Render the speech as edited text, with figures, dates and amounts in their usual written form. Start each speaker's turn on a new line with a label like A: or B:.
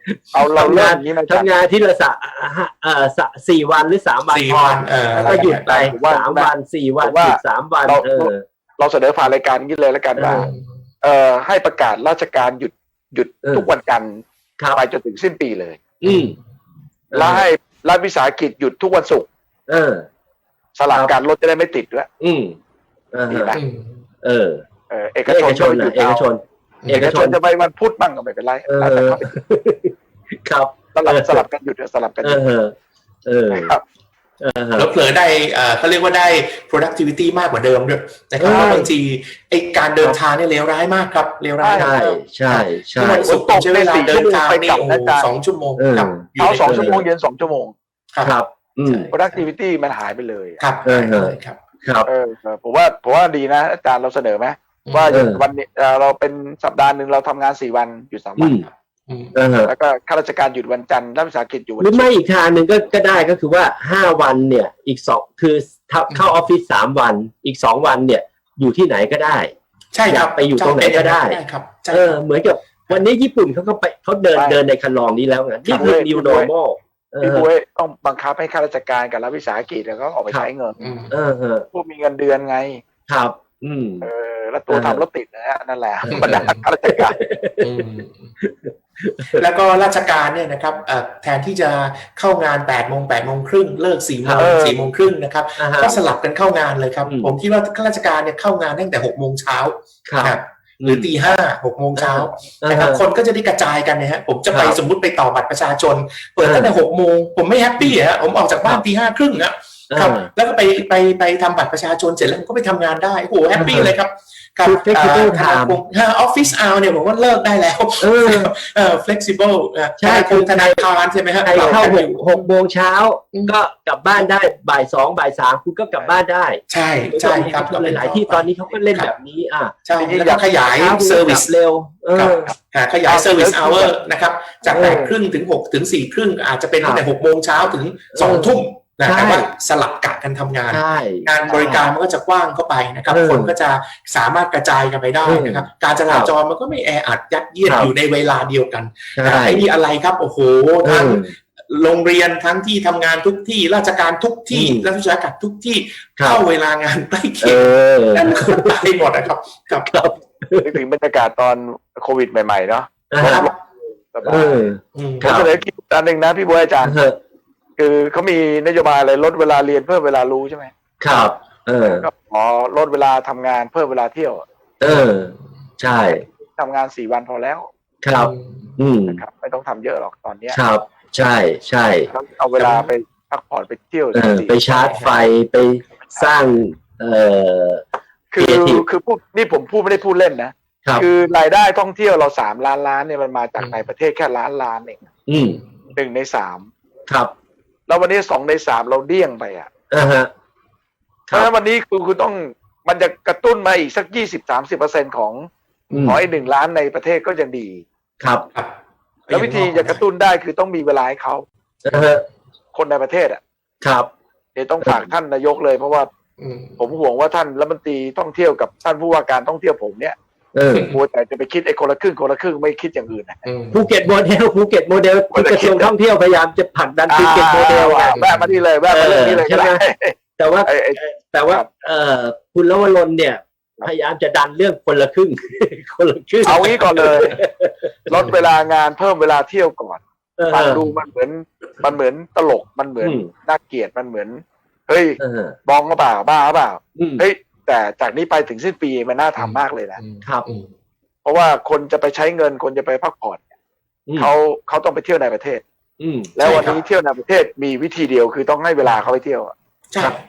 A: เราเริ่มนี้นะ
B: ทำงานที่ละ4 วันหรือ3 วัน
C: 4 วัน
B: แล้วก็หยุดไป3 วัน4 วันหยุด3 วัน
A: เราเสนอผ่านรายการนี้เลยแล้วกันว่าให้ประกาศราชการหยุดทุกวันจันทร์ไปจนถึงสิ้นปีเลยแล้วให้รัฐวิสาหกิจหยุดทุกวันศุกร์สลับกันรถจะได้ไม่ติดด้วยดีไหมเอกชนจะไปวันพุธบ้างก็ไม่เป็นไร
B: ครับ
A: สลับกันหยุดสลับกันหยุดครับ
C: แล้วเผลอได้เขาเรียกว่าได้ productivity มากกว่าเดิมด้วยนะครับเพราะบางทีไอการเดินทางเนี่ยเลวร้ายมากครับเลวร้าย
B: ใช่
C: วันศุกร์ใช้เวลาเดินทางนี่2 ชั่วโมงครับ
A: เอา2 ชั่วโมงเย็น2 ชั่วโมง
B: ครับ
A: productivity มันหายไปเลย
C: ครับ
B: ครับ
A: ผมว่าดีนะอาจารย์เราเสนอไหมว่าวันนี้เราเป็นสัปดาห์นึงเราทำงาน4 วันหยุด3 วันแล้วก็ข้าราชการหยุดวันจันทร์รัฐวิสาหกิจหยุดวัน
B: หรือไม่อีกทางหนึ่งก็ได้ก็คือว่า5 วันเนี่ยอีก2คือเข้าออฟฟิศ3 วันอีก2 วันเนี่ยอยู่ที่ไหนก็ได้
C: ใช่ครับ
B: ไปอยู่ตรงไหนก็ได้เหมือนกับวันนี้ญี่ปุ่นเขาเดินในคันลองนี้แล้วไงนี่คือ new normal
A: พี่บุ้ยต้องบังคับให้ข้าราชการกับรัฐวิสาหกิจแล้วก็ออกไปใช้เงินพวกมีเงินเดือนไง
B: ครับ
A: แล้วตัวทำรถติดนั่นแหละบรรดาข้าราชการ
C: แล้วก็ราชการเนี่ยนะครับแทนที่จะเข้างาน8 โมงครึ่งเลิก4 โมงครึ่งนะครับก็สลับกันเข้างานเลยครับผมคิดว่าข้าราชการเนี่ยเข้างานตั้งแต่6 โมงเช้าหรือตี 5 6 โมงเช้านะครับคนก็จะได้กระจายกันนะฮะผมจะไปสมมุติไปต่อบัตรประชาชนเปิดตั้งแต่6 โมงผมไม่แฮปปี้ฮะผมออกจากบ้านตี 5 ครึ่งนะครับแล้วก็ไปทำบัตรประชาชนเสร็จแล้วก็ไปทำงานได้โอ้โหแฮปปี้เลยครับ
B: กับ flexible time
C: ออฟฟิศเอาเนี่ยผมว่าเลิกได้แล้วflexible ใช่
B: คุณ
C: ธนาคารใช่ไหมฮะ
B: เข้า6 โมงเช้าก็กลับบ้านได้บ่าย 2 บ่าย 3คุณก็กลับบ้านได้
C: ใช่ครับ
B: หลายที่ตอนนี้เขาก็เล่นแบบนี้
C: ใช่อยากขยายเซอร์วิส
B: เร็ว
C: ขยายเซอร์วิสเอาร์นะครับจาก8 ครึ่งถึง6 ถึง 4 ครึ่งอาจจะเป็นตั้งแต่6 โมงเช้าถึง2 ทุ่มแต่ว่าสลับกะกันทำงานงานบริการมันก็จะกว้างเข้าไปนะครับคนก็จะสามารถกระจายกันไปได้นะครับการจราจรมันก็ไม่แออัดยัดเยียดอยู่ในเวลาเดียวกันไอ้นี่อะไรครับโอ้โหทั้งโรงเรียนทั้งที่ทำงานทุกที่ราชการทุกที่รัฐวิสาหกิจทุกที่เข้าเวลางานใกล้เคียงนั่นคนไปหมดนะครับ
A: ครับถึงบรรยากาศตอนโควิดใหม่ๆเนาะผมเสนอคิดอันหนึ่งนะพี่บัวอาจารย์คือเขามีนโยบายอะไรลดเวลาเรียนเพิ่มเวลารู้ใช่ไหม
B: ครับ
A: ก็ขอลดเวลาทำงานเพิ่มเวลาเที่ยว
B: ใช่
A: ทำงาน4 วันพอแล้ว
B: ครับ
A: นะครับไม่ต้องทำเยอะหรอกตอนนี้
B: ครับใช่
A: เอาเวลาไปพักผ่อนไปเที่ยว
B: ไปชาร์จไฟไปสร้าง
A: คือพูดนี่ผมพูดไม่ได้พูดเล่นนะคือรายได้ท่องเที่ยวเรา3 ล้านล้านเนี่ยมันมาจากในประเทศแค่ล้านเอง1 ใน 3
B: ครับ
A: แล้ววันนี้2 ใน 3เราเดี้ยงไปเพราะฉะนั้นวันนี้คุณต้องมันจะกระตุ้นมาอีกสัก 20-30% ของไอ้1 ล้านในประเทศก็ยังดี
B: ครับ
A: แล้ววิธีจะกระตุ้นได้คือต้องมีเวลาให้เขาคนในประเทศ
B: ครับ
A: เดี๋ยวต้องฝากท่านนายกเลยเพราะว่าผมห่วงว่าท่านรัฐมนตรีท่องเที่ยวกับท่านผู้ว่าการท่องเที่ยวผมเนี่ยมัวแต่จะไปคิดไอ้คนละครึ่งไม่คิดอย่างอื่น
B: ภูเก็ตโมเดลกระทรวงท่องเที่ยวพยายามจะผลักดันภูเก็ตโมเดล
A: แวะมาที่เลยแวะมาเรื่องนี้เลย
B: ใช่ไหมแต่ว่าคุณลวรนเนี่ยพยายามจะดันเรื่องคนละครึ่ง
A: เอางี้ก่อนเลยลดเวลางานเพิ่มเวลาเที่ยวก่อนฟังดูมันเหมือนตลกมันเหมือนน่าเกลียดมันเหมือนเฮ้ยบองก็เปล่าบ้าเปล่าเฮ้ยแต่จากนี้ไปถึงสิ้นปีมันน่าทำมากเลยนะครับเพราะว่าคนจะไปใช้เงินคนจะไปพักผ่อนเขาต้องไปเที่ยวในประเทศแล้ววันนี้เที่ยวในประเทศมีวิธีเดียวคือต้องให้เวลาเขาไปเที่ยว
C: ใช่